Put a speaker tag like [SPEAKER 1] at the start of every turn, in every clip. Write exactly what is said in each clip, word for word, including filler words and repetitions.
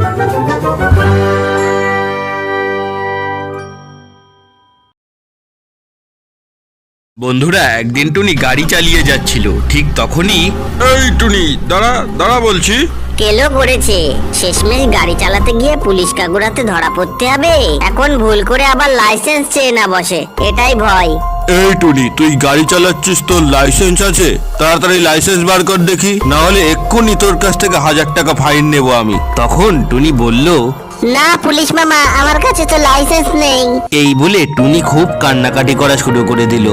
[SPEAKER 1] বন্ধুরা, একদিন টুনি গাড়ি চালিয়ে যাচ্ছিল, ঠিক তখনই
[SPEAKER 2] এই টুনি দাঁড়া দাঁড়া বলছি।
[SPEAKER 3] কেলো করেছে, শেষমেশ গাড়ি চালাতে গিয়ে পুলিশ কাকুরাতে ধরা পড়তে হবে। এখন ভুল করে আবার লাইসেন্স চেয়ে না বসে, এটাই ভয়।
[SPEAKER 2] এই টুনি, তুই গাড়ি চালাচ্ছিস, তোর লাইসেন্স আছে? তাড়াতাড়ি লাইসেন্স বার কর দেখি, না হলে এক্ষুনি তোর কাছ থেকে হাজার টাকা ফাইন নেবো আমি।
[SPEAKER 1] তখন টুনি বলল,
[SPEAKER 3] না পুলিশ মামা, আমার কাছে তো লাইসেন্স নেই।
[SPEAKER 1] এই বলে টুনি খুব কান্নাকাটি করা শুরু করে দিল।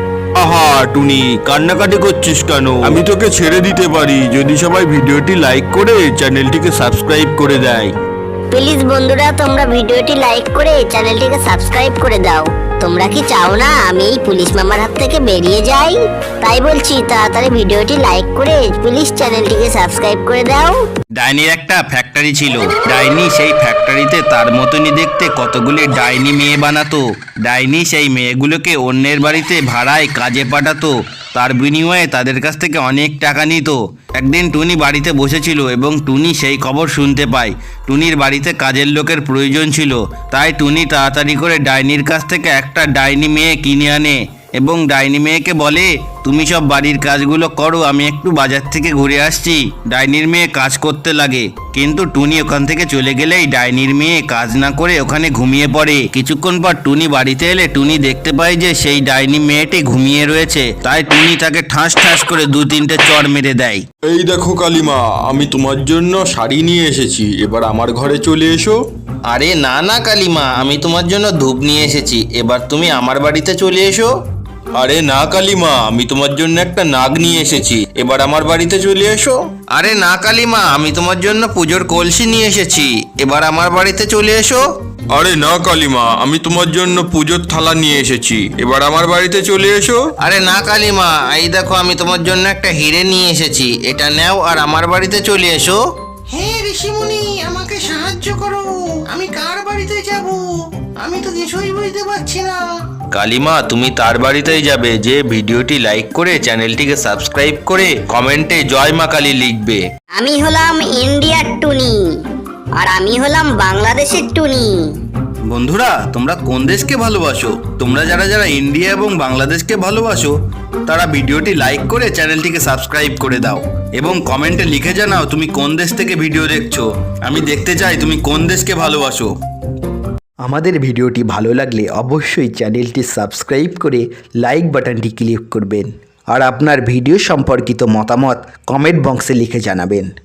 [SPEAKER 2] আহা টুনি, কান্নাকাটি করছিস কেন? আমি তোকে ছেড়ে দিতে পারি যদি সবাই ভিডিওটি লাইক করে চ্যানেলটিকে সাবস্ক্রাইব করে দেয়।
[SPEAKER 3] প্লিজ বন্ধুরা, তোমরা ভিডিওটি লাইক করে চ্যানেলটিকে সাবস্ক্রাইব করে দাও। তোমরা কি চাও না আমি এই পুলিশ মামার হাত থেকে বেরিয়ে যাই? তাই বলছি, তাড়াতাড়ি ভিডিওটি লাইক করে প্লিজ চ্যানেলটিকে সাবস্ক্রাইব করে দাও।
[SPEAKER 1] ডাইনির একটা ফ্যাক্টরি ছিল। ডাইনি সেই ফ্যাক্টরিতে তার মতনই দেখতে কতগুলি ডাইনি মেয়ে বানাতো। ডাইনি সেই মেয়েগুলোকে অন্যের বাড়িতে ভাড়ায় কাজে পাঠাতো, তার বিনিময়ে তাদের কাছ থেকে অনেক টাকা নিত। একদিন টুনি বাড়িতে বসেছিল এবং টুনি সেই খবর শুনতে পায় টুনির বাড়িতে কাজের লোকের প্রয়োজন ছিল। তাই টুনি তাড়াতাড়ি করে ডাইনির কাছ থেকে একটা ডাইনি মেয়ে কিনে আনে এবং ডাইনি মেয়েকে বলে, তুমি সব বাড়ির কাজগুলো করো, আমি একটু বাজার থেকে ঘুরে আসছি। ডাইনির মেয়ে কাজ করতে লাগে, কিন্তু টুনি ওখান থেকে চলে গেলেই ডাইনির মেয়ে কাজ না করে ওখানে ঘুমিয়ে পড়ে। কিছুক্ষণ পর টুনি বাড়িতে এলে টুনি দেখতে পায় যে সেই ডাইনি মেয়েটি ঘুমিয়ে রয়েছে। তাই টুনি তাকে ঠাস ঠাস করে দু তিনটে চড় মেরে দেয়।
[SPEAKER 2] এই দেখো কালিমা, আমি তোমার জন্য শাড়ি নিয়ে এসেছি, এবার আমার ঘরে চলে এসো।
[SPEAKER 1] আরে না না কালিমা, আমি তোমার জন্য ধূপ নিয়ে এসেছি, এবার তুমি আমার বাড়িতে চলে এসো।
[SPEAKER 2] আরে না কালিমা, আমি তোমার জন্য একটা নাগ নিয়ে এসেছি, এবার আমার বাড়িতে চলে এসো।
[SPEAKER 1] আরে না কালিমা, আমি তোমার জন্য পুজোর কলসি নিয়ে এসেছি, এবার আমার বাড়িতে চলে এসো।
[SPEAKER 2] আরে না কালিমা, আমি তোমার জন্য পুজোর থালা নিয়ে এসেছি, এবার আমার বাড়িতে চলে এসো।
[SPEAKER 1] আরে না কালিমা, এই দেখো আমি তোমার জন্য একটা হিরে নিয়ে এসেছি, এটা নাও আর আমার বাড়িতে চলে এসো।
[SPEAKER 4] হে ঋষিমুনি, আমাকে সাহায্য করো, আমি কার বাড়িতে যাব? আমি তো কিছুই বুঝতে পারছি না।
[SPEAKER 1] কালিমা, তুমি তার বাড়িতেই যাবে যে ভিডিওটি লাইক করে চ্যানেলটিকে সাবস্ক্রাইব করে কমেন্টে জয় মা কালী লিখবে।
[SPEAKER 3] আমি হলাম ইন্ডিয়ার টুনি, আর আমি হলাম বাংলাদেশের টুনি।
[SPEAKER 1] বন্ধুরা, তোমরা কোন দেশকে ভালোবাসো? তোমরা যারা যারা ইন্ডিয়া এবং বাংলাদেশকে ভালোবাসো তারা ভিডিওটি লাইক করে চ্যানেলটিকে সাবস্ক্রাইব করে দাও এবং কমেন্টে লিখে জানাও তুমি কোন দেশ থেকে ভিডিও দেখছো। আমি দেখতে চাই তুমি কোন দেশকে ভালোবাসো।
[SPEAKER 5] আমাদের ভিডিওটি ভালো লাগলে অবশ্যই চ্যানেলটি সাবস্ক্রাইব করে লাইক বাটনটি ক্লিক করবেন আর আপনার ভিডিও সম্পর্কিত মতামত কমেন্ট বক্সে লিখে জানাবেন।